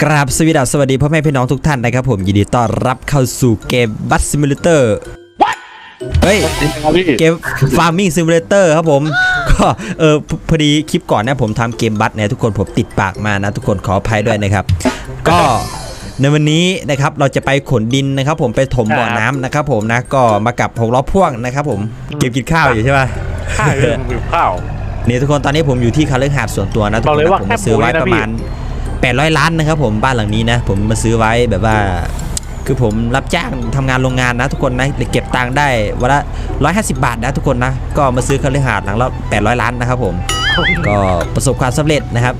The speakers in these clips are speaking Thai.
กราบสวัสดีพ่อแม่พี่น้องทุกท่านนะครับผมยินดีต้อนรับเข้าสู่เกมบัสซิมูเลเตอร์เฮ้ยเกมฟาร์มิงซิมูเลเตอร์ครับผมก็พอดีคลิปก่อนนะผมทำเกมบัสเนี่ยทุกคนผมติดปากมานะทุกคนขออภัยด้วยนะครับก็ในวันนี้นะครับเราจะไปขนดินนะครับผมไปถมบ่อน้ำนะครับผมนะก็มากับ6 ล้อพ่วงนะครับผมเกมกินข้าวอยู่ใช่ป่ะใช่หิวข้าวนี่ทุกคนตอนนี้ผมอยู่ที่คาลือหาดส่วนตัวนะทุกคนผมซื้อไว้ประมาณ800 ล้านนะครับผมบ้านหลังนี้นะผมมาซื้อไว้แบบว่าคือผมรับจ้างทำงานโรงงานนะทุกคนนะเก็บตังค์ได้วันละ150 บาทนะทุกคนนะก็มาซื้อคาลือหาดหลังละ800 ล้านนะครับผมก็ประสบความสำเร็จนะครับ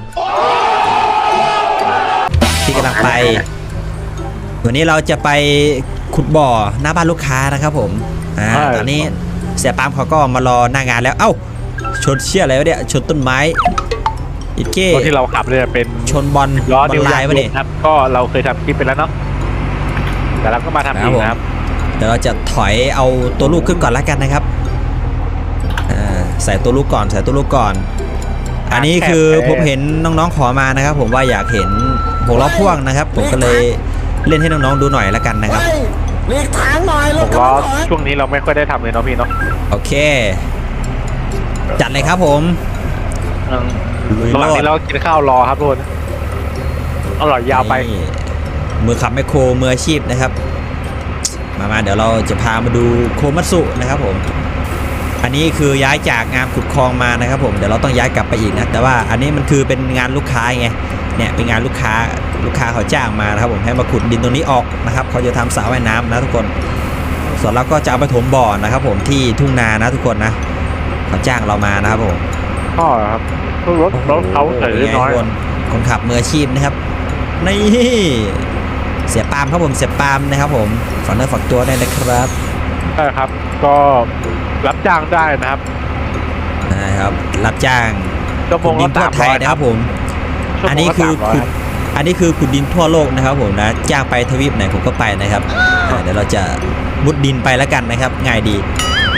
ที่กำลังไปวันนี้เราจะไปขุดบ่อหน้าบ้านลูกค้านะครับผมตอนนี้เสียปามเขาก็มารอหน้างานแล้วเอ้าชนเชี่ยอะไรวะเนี่ยชนต้นไม้อีกเก้ที่เราขับเนี่ยเป็นชนบอลลายวะเนี่ยครับก็เราเคยทำคลิปไปแล้วเนาะแต่เราก็มาทำอีกนะครับเดี๋ยวเราจะถอยเอาตัวลูกขึ้นก่อนแล้วกันนะครับใส่ตัวลูกก่อนอันนี้คือผมเห็นน้องๆขอมานะครับผมว่าอยากเห็น6 ล้อพ่วงนะครับผมก็เลยเล่นให้น้องๆดูหน่อยแล้วกันนะครับเรียกทางหน่อย 6 ล้อช่วงนี้เราไม่ค่อยได้ทำเลยเนาะพี่เนาะโอเคจัดเลยครับผมระหว่างนี้เรากินข้าวรอครับทุกคนอร่อยยาวไปมือขับแมคโครมืออาชีพนะครับมาเดี๋ยวเราจะพามาดูโคมัตสึนะครับผมอันนี้คือย้ายจากงานขุดคลองมานะครับผมเดี๋ยวเราต้องย้ายกลับไปอีกนะแต่ว่าอันนี้มันคือเป็นงานลูกค้าไงเนี่ยเป็นงานลูกค้าเขาจ้างมานะครับผมให้มาขุดดินตรงนี้ออกนะครับเขาจะทำสระว่ายน้ำนะทุกคนส่วนเราก็จะเอาไปถมบ่อนะครับผมที่ทุ่งนานะทุกคนนะเขาจ้างเรามานะครับผมพ่อครับรถเขาเฉยน้อยคนขับมืออาชีพนะครับนี่เสียปามครับผมเสียปามนะครับผมฝากเนื้อฝากตัวได้นะครับใช่ครับก็รับจ้างได้นะครับรับจ้างขุดดินทั่วไทยนะครับผมอันนี้คือขุดดินทั่วโลกนะครับผมนะจ้างไปทวีปไหนผมก็ไปนะครับเดี๋ยวเราจะมุดดินไปแล้วกันนะครับง่ายดี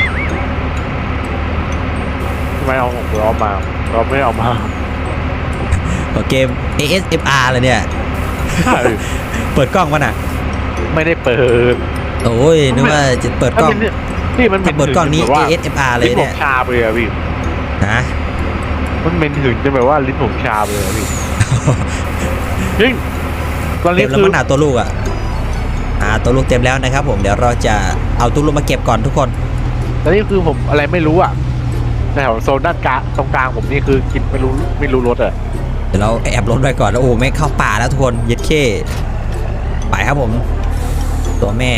ไม่เอา6 ล้อมาเราไม่เอามาเกม ASMR เลยเนี่ยเปิดกล้องวะน่ะไม่ได้เปิดโอ้ยนึกว่าจะเปิดกล้องนี่มันเปิดกล้องนี้ ASMR เลยเนี่ยชาไปเลยพี่นะมันเป็นถึงจะแบบว่าลิ้นผมชาไปเลยพี่จริงตอนนี้คือมันหนาตัวลูกตัวลูกเต็มแล้วนะครับผมเดี๋ยวเราจะเอาตัวลูกมาเก็บก่อนทุกคนตอนนี้คือผมอะไรไม่รู้ในแถวโซนด้านกลางตรงกลางผมนี่คือกินไม่รู้รถเดี๋ยวเราแอบรถไว้ก่อนแล้วโอ้ไม่เข้าป่าแล้วทุกคนเย็ดเข้ไปครับผมตัวแม่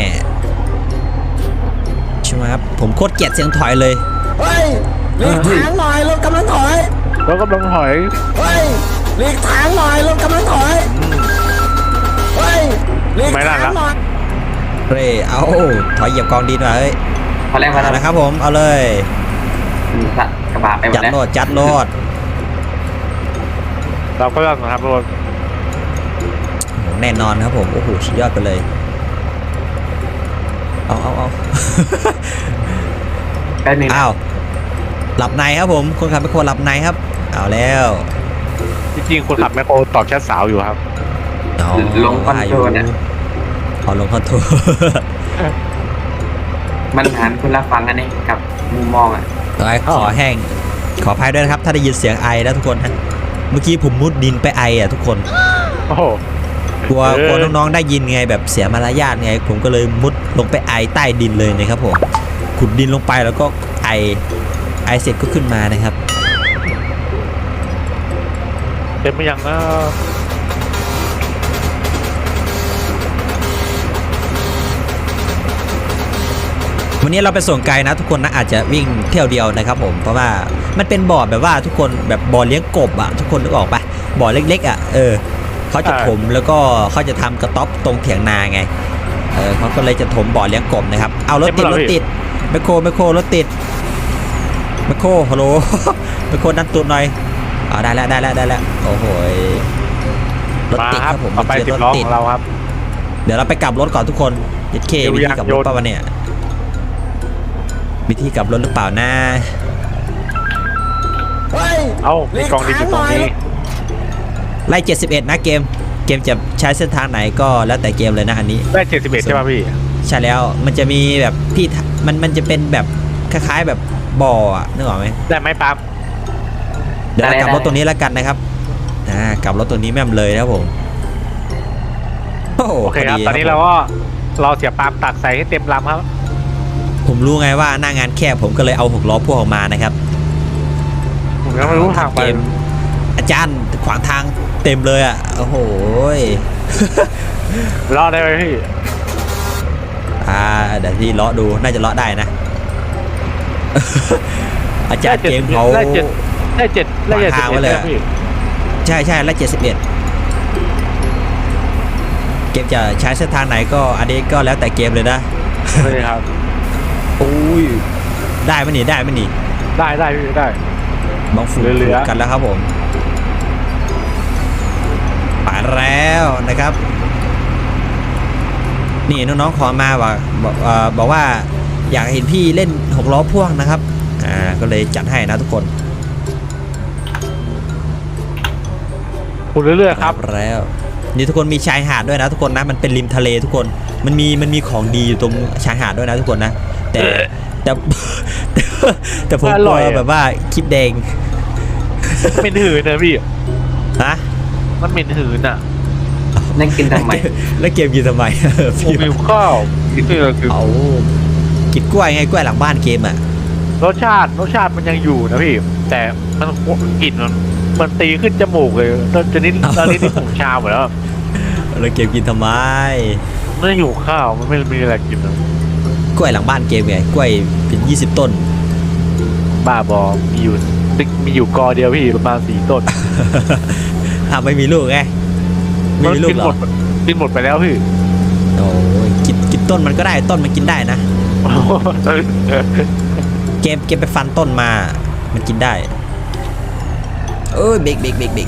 ใช่ไหมครับผมโคตรเกลียดเสียงถอยเลยเฮ้ยหลีกทางหน่อยรถกำลังถอยเฮ้ยหลีกทางหน่อยรถกำลังถอยเฮ้ยหลีกทางหน่อยเอาถอยเหยียบกองดินมาเฮ้ยพอแล้วนะครับผมเอาเลยกระบะไปหมดแล้วจัดโลดเราก็ต้องทำรถแน่นอนครับผมโอ้โหสุดยอดไปเลยเอาอ้าวหลับในครับผมคนขับแมคโครหลับในครับเอาแล้วจริงๆคนขับแมคโครตอบแชทสาวอยู่ครับลงคอนโทรลเนี่ยลงคอนโทรลมันหันคนละฟังกันนี่กับมุมมองขอแห้งขออภัยด้วยนะครับถ้าได้ยินเสียงไอแล้วทุกคนฮะเมื่อกี้ผมมุดดินไปไอทุกคนกลัวน้องๆได้ยินไงแบบเสียมารยาทไงผมก็เลยมุดลงไปไอใต้ดินเลยนะครับผมขุดดินลงไปแล้วก็ไอเสร็จก็ขึ้นมานะครับเต็มไปยังนะวันนี้เราไปส่งไกลนะทุกคนนะอาจจะวิ่งเที่ยวเดียวนะครับผมเพราะว่ามันเป็นบ่อแบบว่าทุกคนแบบบ่อเลี้ยงกบทุกคนนึกออกปะบ่อเล็กๆเขาจะถมแล้วก็เขาจะทำกระต๊อบตรงเถียงนาไงเขาก็เลยจะถมบ่อเลี้ยงกบนะครับเอารถติดแมคโครรถติดแมคโครฮัลโหลแมคโครดันตูดหน่อยได้แล้วโอ้โหรถติดครับผมไปรถติดเราครับเดี๋ยวเราไปกลับรถก่อนทุกคนยัดเควิธีกลับรถป่ะวะเนี่ยวิธีกลับรถหรือเปล่านะมีกองดินอยู่ตรงนี้ไล่71นะเกมกมจะใช้เส้นทางไหนก็แล้วแต่เกมเลยนะอันนี้ได้71ใช่ป่ะพี่ใช่แล้วมันจะมีแบบพี่มันจะเป็นแบบคล้ายๆแบบบ่ออะนึกออกไหมได้ไหมปั๊มเดี๋ยวเรากลับรถตรงนี้แล้วกันนะครับกลับรถตรงนี้แม่มเลยนะครับผมโอโอเคครับตอนนี้เราก็รอเสียปั๊มตักใส่ให้เต็มลำครับผมรู้ไงว่าหน้างานแคบผมก็เลยเอา6 ล้อพ่วงออกมานะครับผมยังไม่รู้ทางไปเกมอาจารย์ขวางทางเต็มเลยอ่ะโอ้โหรอดได้ไหมพี่เดี๋ยวที่เลาะดูน่าจะเลาะได้นะ อาจารย์เกมเขาได้เจ็ดได้เจ็ดวางทางไว้เลยอะพี่ใช่แล้ว71เกมจะใช้เส้นทางไหนก็อันนี้ก็แล้วแต่เกมเลยนะเลยครับโอ้ยได้ไหมนี่ได้พี่ได้บางฝูงเหลือๆกันแล้วครับผมไปแล้วนะครับ นี่น้องๆขอมาบอกว่าอยากเห็นพี่เล่น6 ล้อพ่วงนะครับก็เลยจัดให้นะทุกคนคุณเรื่อยๆครับแล้วนี่ทุกคนมีชายหาดด้วยนะทุกคนนะมันเป็นริมทะเลทุกคนมันมีของดีอยู่ตรงชายหาดด้วยนะทุกคนนะแต่ แต่ผมกลัวแบบว่าคลิปแดงเหม็นหืนนะพี่ฮะมันเหม็นหืนอ่ะนั่งกินทำไมแล้วเกมกินทำไมผมหิวข้าวกินนี่คือเอากินกล้วยไงกล้วยหลังบ้านเกมอ่ะรสชาติมันยังอยู่นะพี่ แต่มันกลิ่นมันตีขึ้นจมูกเลยตอนนี้ที่ผมชาหมดแล้วแล้วเกมกินทำไมไม่หิวข้าวมันไม่มีอะไรกินเลยกล้วยหลังบ้านเกมไงกล้วยเป็น20 ต้นบ้าบอมีอยู่กอเดียวพี่ประมาณ4 ต้นไม่มีลูกไงไม่มีลูกหรอกินหมดไปแล้วพี่โอ้ยกินต้นมันก็ได้ต้นมันกินได้นะ เกมไปฟันต้นมามันกินได้เบรก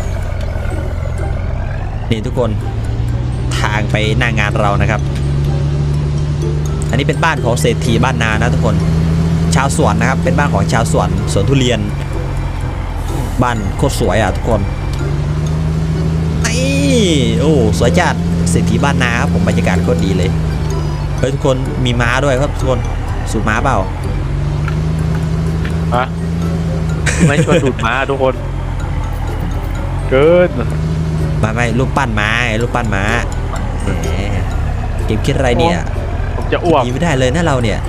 นี่ทุกคนทางไปหน้างานเรานะครับ อันนี้เป็นบ้านของเศรษฐีบ้านนานะทุกคนชาวสวนนะครับเป็นบ้านของชาวสวนทุเรียนบ้านโคตรสวยอ่ะทุกคนโอ้สวยจัดเศรษฐีบ้านนาครับผมบรรยากาศโคตรดีเลยเฮ้ยทุกคนมีม้าด้วยครับทุกคนสูบม้าเปล่าฮะไม่ชวนดูดม้าทุกคน เกินไม่รูปปั้นม้ารูปปั้นม้าแหมเกมคิดอะไรเนี่ยผมจะอ้วกหนีไม่ได้เลยนะเราเนี่ย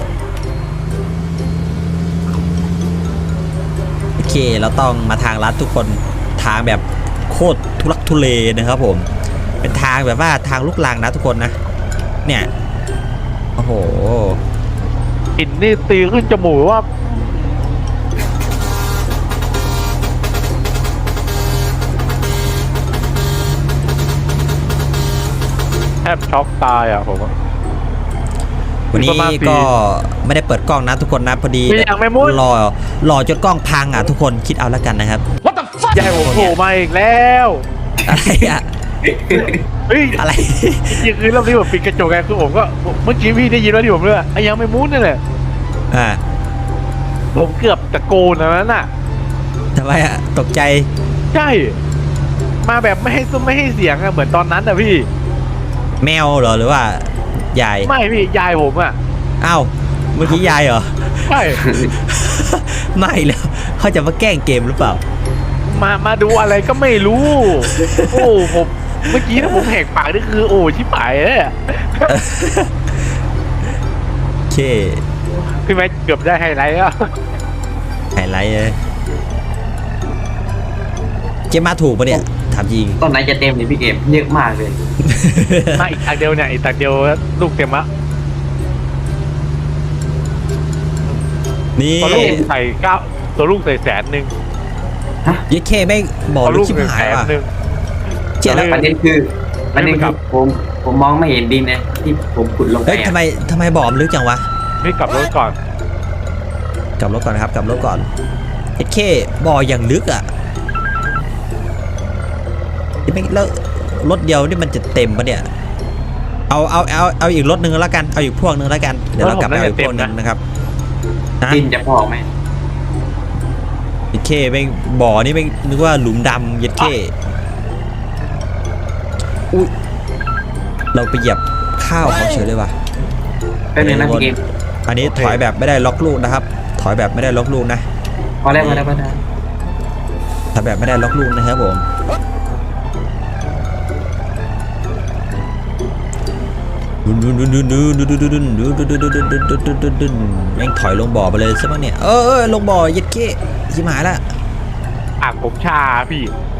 โอเคเราต้องมาทางลัดทุกคนทางแบบโคตรทุลักทุเลนะครับผมเป็นทางแบบว่าทางลูกลังนะทุกคนนะเนี่ยโอ้โหกลิ่นนี่ตีขึ้นจมูกว่าแทบช็อกตายอ่ะผมอะวันนี้ประมาณก็ไม่ได้เปิดกล้องนะทุกคนนะพอดีมีอย่างไม่มุดรอจนกล้องพังอ่ะทุกคนคิดเอาแล้วกันนะครับใหญ่ผมโผล่มาอีกแล้วอะไรอ่ะเฮ้ยอะไรจริงๆคือรอบนี้ผมปิดกระจกไงคือผมก็เมื่อกี้พี่ได้ยินว่าที่ผมเลือกไอ้ยังไม่มุดนั่นแหละอ่าผมเกือบตะโกนนั้นน่ะทำไมอ่ะตกใจใช่ มาแบบไม่ให้เสียงอะเหมือนตอนนั้นอะพี่แมวเหรอหรือว่ายายไม่พี่ยายผมอะอ้าวเมื่อกี้ยายเหรอใช่ไม่แล้วเขาจะมาแกล้งเกมหรือเปล่ามาดูอะไรก็ไม่รู้ โอ้ผมเมื่อกี้ถ้าผมแหกปากนี่คือโอ้ชิบหายเลยอะโอเคพี่แม็กเกือบได้ไฮไลท์แล้วไฮไลท์เลยเกมมาถูกปะเนี่ยถามจริงต้นไหนจะเต็มเลยพี่เกมเยอะมากเลยมาอีกตักเดียวเนี่ยอีกตักเดียวลูกเต็มละนี่ตัวลูกใส่9ตัวลูกใส่100,000 ยัดเคไม่บอกตัวลูลูกกชิบหายว่ะ 100,000 เจ๊แล้วเออประเด็นคือผมมองไม่เห็นดินนะที่ผมขุดลงไปเฮ้ยทำไมบอกมันลึกจังวะนี่กลับรถก่อนกลับรถก่อนนะครับกลับรถก่อนยัดเคบอกอย่างลึกอ่ะไม่แล้วรถเดียวนี่มันจะเต็มปะเนี่ยเอาอีกรถนึงแล้วกันเอาอีกพวกนึงแล้วกันเดี๋ยวเรากลับไปเอาอีกพวกนึงนะครับนะดินจะพอไหมยัดเคไม่บ่อนี่ไม่นึกว่าหลุมดำยัดเคอุ้ยเราไปเหยียบข้าวเขาเฉยเลยว่ะเป็นยังไงนะพี่เกมอันนี้ถอยแบบไม่ได้ล็อกลูกนะครับ ถอยแบบไม่ได้ล็อกลูกนะพอแล้วพอแล้วพอแล้วถอยแบบไม่ได้ล็อกลูกนะครับผมแม่งถอยลงบ่อไปเลยใช่ไหมเนี่ยลงบ่อยัดเก้ชิบหายละปากผมชาพี่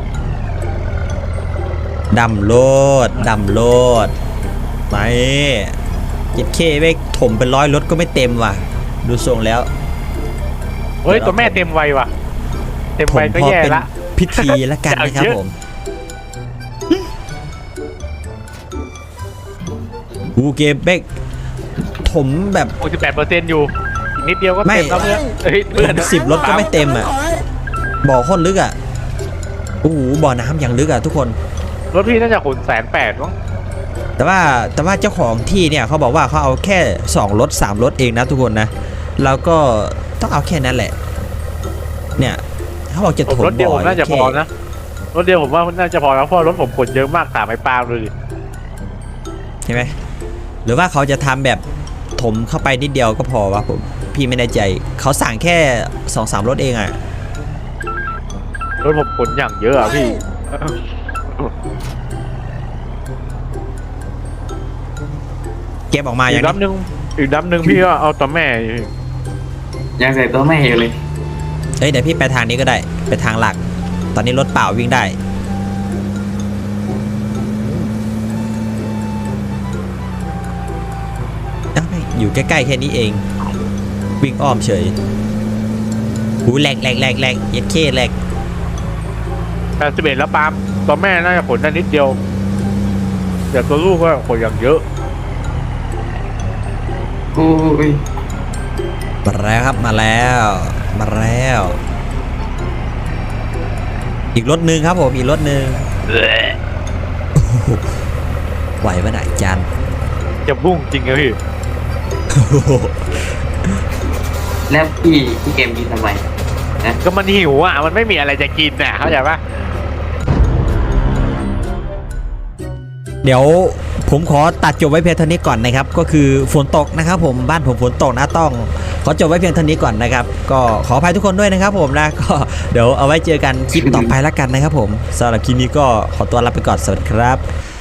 ดำโลดไปยัดเก้ไปถมเป็น100รถก็ไม่เต็มว่ะดูทรงแล้วเฮ้ยตัวแม่เต็มวัยว่ะเต็มผมวัยก็พอแย่เป็นละพิธีแล้วกันนะครับผมกูเกมเบกผมแบบ 68%อยู่อีกนิดเดียวก็เต็มแล้วเพื่อนเฮ้ยเพื่อน 10รถก็ไม่เต็มอ่ะบ่อโคตรลึกอ่ะโอ้โหบ่อน้ำอย่างลึกอ่ะทุกคนรถพี่น่าจะขน180,000มั้งแต่ว่าเจ้าของที่เนี่ยเขาบอกว่าเขาเอาแค่2รถ3รถเองนะทุกคนนะแล้วก็ต้องเอาแค่นั้นแหละเนี่ยเขาบอกจะถมรถเดียวบ่ผอมน่าจะพอนะรถเดียวผมว่าน่าจะพอแล้วเพราะรถผมขนเยอะมากตามไอ้ปลาเลยใช่ไหมหรือว่าเขาจะทำแบบถมเข้าไปนิดเดียวก็พอวะผมพี่ไม่แน่ใจเขาสั่งแค่ 2-3 รถเองอ่ะรถผมขนอย่างเยอะอ่ะพี่เก็บออกมาออีย่าก งลำหนึ่งอีกลำหนึ่งพี่ก็เอาตัวแม่ยังใส่ตัวแม่อยู่เลยเฮ้ยเดี๋ยวพี่ไปทางนี้ก็ได้ไปทางหลัก ตอนนี้รถเปล่าวิ่งได้เอ้าไม่อยู่ใกล้ๆแค่นี้เองวิ่งอ้อมเฉยหูแหลกเย็ดเข้แหลก 81แล้วปาล์มตัวแม่น่าจะขนได้นิดเดียวแต่ตัวลูกก็ขนอย่างเยอะโอ้ยมาแล้วครับมาแล้วอีกรถหนึ่งครับผมอีกรถหนึ่งไหวปะไหนจันจะบุ้งจริงอะพี่แล้วพี่เกมกินทำไมนะก็มันหิวอ่ะมันไม่มีอะไรจะกินน่ะเข้าใจปะเดี๋ยวผมขอตัดจบไว้เพียงเท่านี้ก่อนนะครับก็คือฝนตกนะครับผมบ้านผมฝนตกนะต้องขอจบไว้เพียงเท่านี้ก่อนนะครับก็ขออภัยทุกคนด้วยนะครับผมนะก็เดี๋ยวเอาไว้เจอกันคลิปต่อไปแล้วกันนะครับผมสำหรับคลิปนี้ก็ขอตัวลาไปก่อนสวัสดีครับ